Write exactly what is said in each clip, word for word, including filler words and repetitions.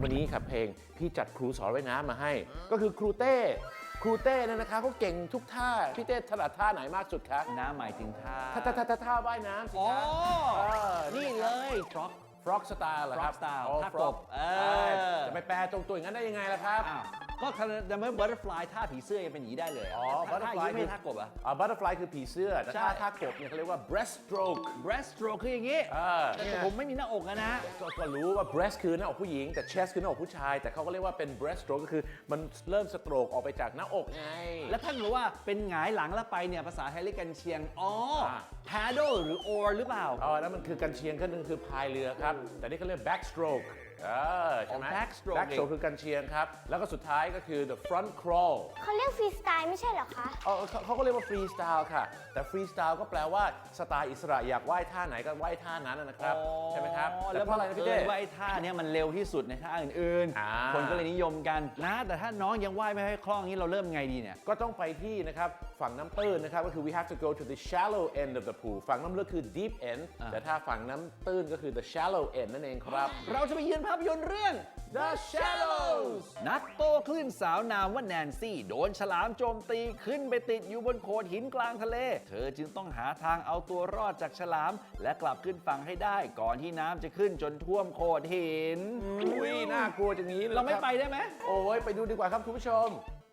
วันนี้ครับเพลงพี่จัดครูสอนว่ายน้ำมาให้ ก็คือครูเต้ครูเต้เนี่ยนะคะเขาเก่งทุกท่าพี่เต้ถนัดท่าไหนมากสุดคะน้ำหมายถึงท่าท่าท่าท่าท่าท่าว่ายน้ำสิอ๋อคะนี่เลยฟล็อกฟร็อกสไตล์เหรอครับ frog style อ๋อท่ากบ frog เออจะไปแปลตรงตัวอย่างนั้นได้ยังไงล่ะครับอ้าวก็แต่เมื่อ butterfly ท่าผีเสื้อยังเป็นอย่างนี้ได้เลยอ๋อถ้า butterfly ท่าอย่างนี้ไม่ท่ากบอะอ่า butterfly คือผีเสื้อแต่ใช่ท่าท่ากบเนี่ยเขาเรียกว่า breaststroke breaststroke คืออย่างนี้เออแต่ผมไม่มีหน้าอกอะนะก็ก็รู้ว่า breast คือหน้าอกผู้หญิงแต่ chest คือหน้าอกผู้ชาย แต่เขาก็เรียกว่าเป็น breaststroke ก็คือมันเริ่มสโตรกออกไปจากหน้าอกไงแล้วท่านรู้ว่าเป็นหงายหลังแล้วไปเนี่ยภาษาไทยเรียกกันเชียง อ๋ออ่า paddle หรือ oar หรือเปล่าอ๋อแล้วมันคือกันเชียงก็นึงคือพายเรือครับ แต่นี่เขาเรียก backstroke เออใช่ไหมอ๋อ backstroke backstroke คือกันเชียงครับ แล้วก็สุดท้ายก็คือ the front crawl เขาเรียกฟรีสไตล์ไม่ใช่เหรอคะเออเขาเขาก็เรียกว่าฟรีสไตล์ค่ะ แต่ฟรีสไตล์ก็แปลว่าสไตล์อิสระอยากว่ายท่าไหนก็ว่ายท่านั้นนะครับ ใช่ไหมครับอ๋อแต่แล้วเพราะอะไรนะพี่เต้ว่าไอ้ท่าเนี้ยมันเร็วที่สุดในท่าอื่นอ่าๆ คนก็เลยนิยมกันนะ แต่ถ้าน้องยังว่ายไม่ค่อยคล่องนี้เราเริ่มไงดีเนี่ยก็ต้องไปที่นะครับฝั่งน้ำตื้นนะครับก็คือ we have to go to the shallow end of the pool ฝั่งน้ำลึกคือ deep end อ่าแต่ถ้าฝั่งน้ำตื้นก็คือ the shallow end นั่นเองครับเราจะไปเยือนภาพยนตร์เรื่อง The Shallows นักโตคลื่นสาวนามว่าแนนซี่โดนฉลามโจมตีขึ้นไปติดอยู่บนโขดหินกลางทะเล เธอจึงต้องหาทางเอาตัวรอดจากฉลาม และกลับขึ้นฝั่งให้ได้ก่อนที่น้ำจะขึ้นจนท่วมโขดหินอุ้ยน่ากลัวจังนี้เลยเราไม่คบไปได้ไหมโอ้ยไปดูดีกว่าครับคุณผู้ชม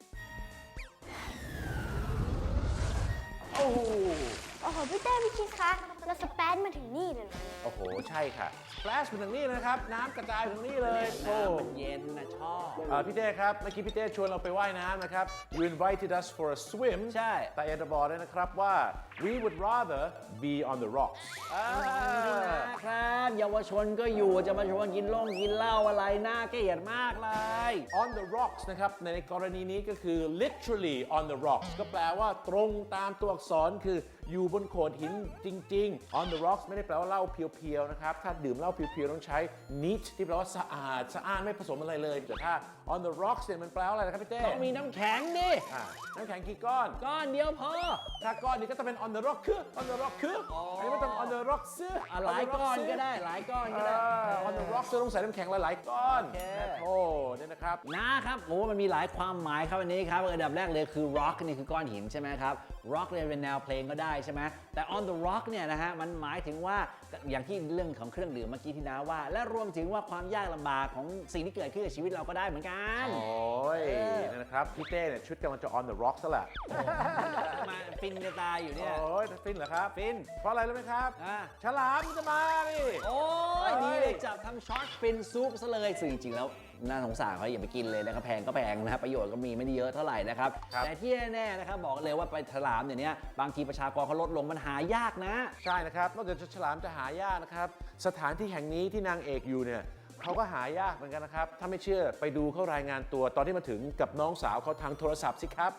โอ้โหโอ้โห พี่เต้พี่คิดคะเราสแปนมาถึงนี่เลยเหรอโอ้โห ใช่ค่ะ splash มาถึงนี่เลยนะครับ น้ำกระจายถึงนี่เลยโอ้น้ำมันเย็นนะชอบเอ่อพี่เต้ครับ เมื่อกี้พี่เต้ชวนเราไปว่ายน้ำนะครับ you invited us for a swim ใช่แต่อยากจะบอกด้วยนะครับว่า we would rather be on the rocks อ่าครับเยาวชนก็อยู่จะมาชวนกินล่งกินเหล้าอะไรน่าเกลียดมากเลย on the rocks นะครับ ในกรณีนี้ก็คือ literally on the rocks ก็แปลว่าตรงตามตัวอักษรคืออยู่บนโขดหินจริง ๆ on the rocks ไม่ได้แปลว่าเหล้าเพียวๆนะครับ ถ้าดื่มเหล้าเพียวๆต้องใช้ neat ที่แปลว่าสะอาดสะอาดไม่ผสมอะไรเลย แต่ถ้า on the rocks เนี่ยมันแปลว่าอะไรนะครับพี่เต้ต้องมีน้ำแข็งดิอ่าน้ำแข็งกี่ก้อนก้อนเดียวพอถ้าก้อนนี้ก็จะเป็น on the rock คือ on the rock คืออันนี้ไม่ต้อง on the rock ซื้ออ่ะหลายก้อนก็ได้หลายก้อนก็ได้อ on the rock ซื้อต้องใส่น้ำแข็งหลายๆก้อนโอเคโอ้เนี่ยนะครับนะครับโอ้มันมีหลายความหมายครับอันนี้ครับอันดับแรกเลยคือ rock นี่คือก้อนหินใช่ไหมครับ rock เนี่ยเป็นแนวเพลงก็ได้ใช่ไหมแต่ on the rock เนี่ยนะฮะมันหมายถึงว่าอย่างที่เรื่องของเครื่องดื่มเมื่อกี้ที่น้าว่า และรวมถึงว่าความยากลำบากของสิ่งที่เกิดขึ้นกับชีวิตเราก็ได้เหมือนกันโอ้ยนี่นะครับ พี่เต้เนี่ยชุดกำลังจะ on the rock ซะแหละมาฟินจะตายอยู่เนี่ยโอ้ยฟินเหรอครับฟินเพราะอะไรรู้ไหมครับอ่าฉลามมันจะมาดิโอ้ยเฮ้นี่ยเลยจับทำช็อตฟินซุปซะเลยซึ่งจริงๆแล้วน่าสงสารเขาอย่าไปกินเลยนะครับแพงก็แพงนะครับประโยชน์ก็มีไม่ได้เยอะเท่าไหร่นะครับครับแต่ที่แน่ๆนะครับบอกเลยว่าไปฉลามเนี่ยนี้บางทีประชากรเขาลดลงมันหายากนะใช่นะครับ นอกจากฉลามจะหายากนะครับ สถานที่แห่งนี้ที่นางเอกอยู่เนี่ยเขาก็หายากเหมือนกันนะครับ ถ้าไม่เชื่อไปดูเขารายงานตัวตอนที่มาถึงกับน้องสาวเขาทางโทรศัพท์สิครับ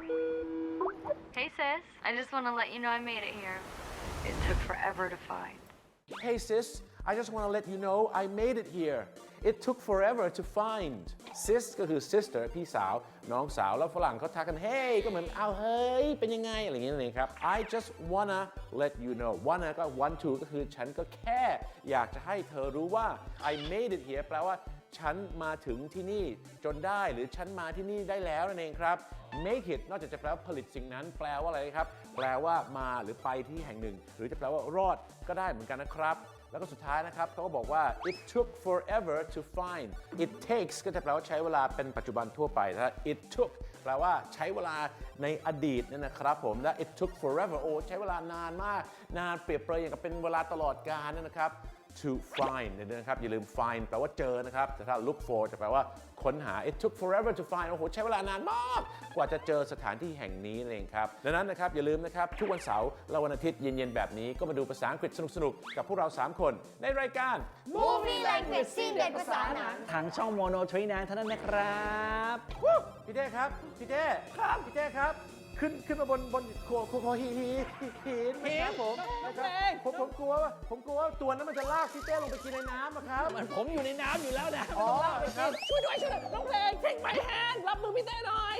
Hey sis, I just want to let you know I made it here. It took forever to find. Hey sis, I just want to let you know I made it here. It took forever to find. Sis ก็คือ sister พี่สาว น้องสาว แล้วฝรั่งเขาทักกัน Hey ก็เหมือนเอาเฮ้ย เป็นยังไง อะไรอย่างเงี้ยนั่นเองครับ I just wanna let you know wanna ก็ want to ก็คือฉันก็แค่อยากจะให้เธอรู้ว่า I made it here แปลว่าฉันมาถึงที่นี่จนได้หรือฉันมาที่นี่ได้แล้วนั่นเองครับ make it นอกจากจะแปลว่าผลิตสิ่งนั้นแปลว่าอะไรครับ แปลว่ามาหรือไปที่แห่งหนึ่ง หรือจะแปลว่ารอดก็ได้เหมือนกันนะครับ แล้วก็สุดท้ายนะครับเขาก็บอกว่า it took forever to find it takes ก็จะแปลว่าใช้เวลาเป็นปัจจุบันทั่วไปถ้า it took แปลว่าใช้เวลาในอดีตนั่นนะครับผมและ it took forever โอ้ใช้เวลานานมากนานเปรียบเปรยอย่างกับเป็นเวลาตลอดกาลนั่นนะครับ to find เนี่ยนะครับอย่าลืม find แปลว่าเจอนะครับแต่ถ้า look for จะแปลว่าค้นหา it took forever to find โอ้โหใช้เวลานานมากกว่าจะเจอสถานที่แห่งนี้นั่นเองครับดังนั้นนะครับอย่าลืมนะครับทุกวันเสาร์และวันอาทิตย์เย็นๆแบบนี้ก็มาดูภาษาอังกฤษสนุกๆกับพวกเราสามคนในรายการ Movie Language ซีนเด็ดภาษาหนังทางช่องโมโนทรีนานเท่านั้นนะครับวู้พี่เต้ครับพี่เต้ครับพี่เต้ครับขึ้นขึ้นมาบนบนโคโคโคหินหินหินนะครับผมนะครับผมผมกลัวว่าผมกลัวว่าตัวนั้นมันจะลากพี่เต้ลงไปกินในน้ำอะครับมันผมอยู่ในน้ำอยู่แล้วนะอ๋อไม่ต้องลากไปกินช่วยด้วยช่วยด้วยน้องเพลงเทคไมแฮนรับมือพี่เต้หน่อย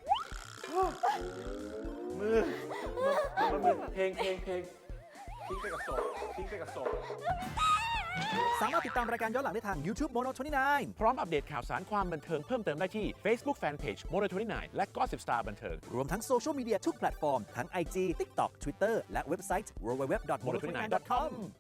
มือมือมือมือเพลงเพลงเพลงทิ้งไปกับศพทิ้งไปกับศพสามารถติดตามรายการย้อนหลังได้ทาง YouTube Mono ยี่สิบเก้าพร้อมอัปเดตข่าวสารความบันเทิงเพิ่มเติมได้ที่ Facebook Fanpage Mono ยี่สิบเก้า และ Gossip Star บันเทิงรวมทั้งโซเชียลมีเดียทุกแพลตฟอร์มทั้ง ไอ จี TikTok Twitter และเว็บไซต์ ดับเบิลยู ดับเบิลยู ดับเบิลยู ดอท โมโน ยี่สิบเก้า ดอท คอม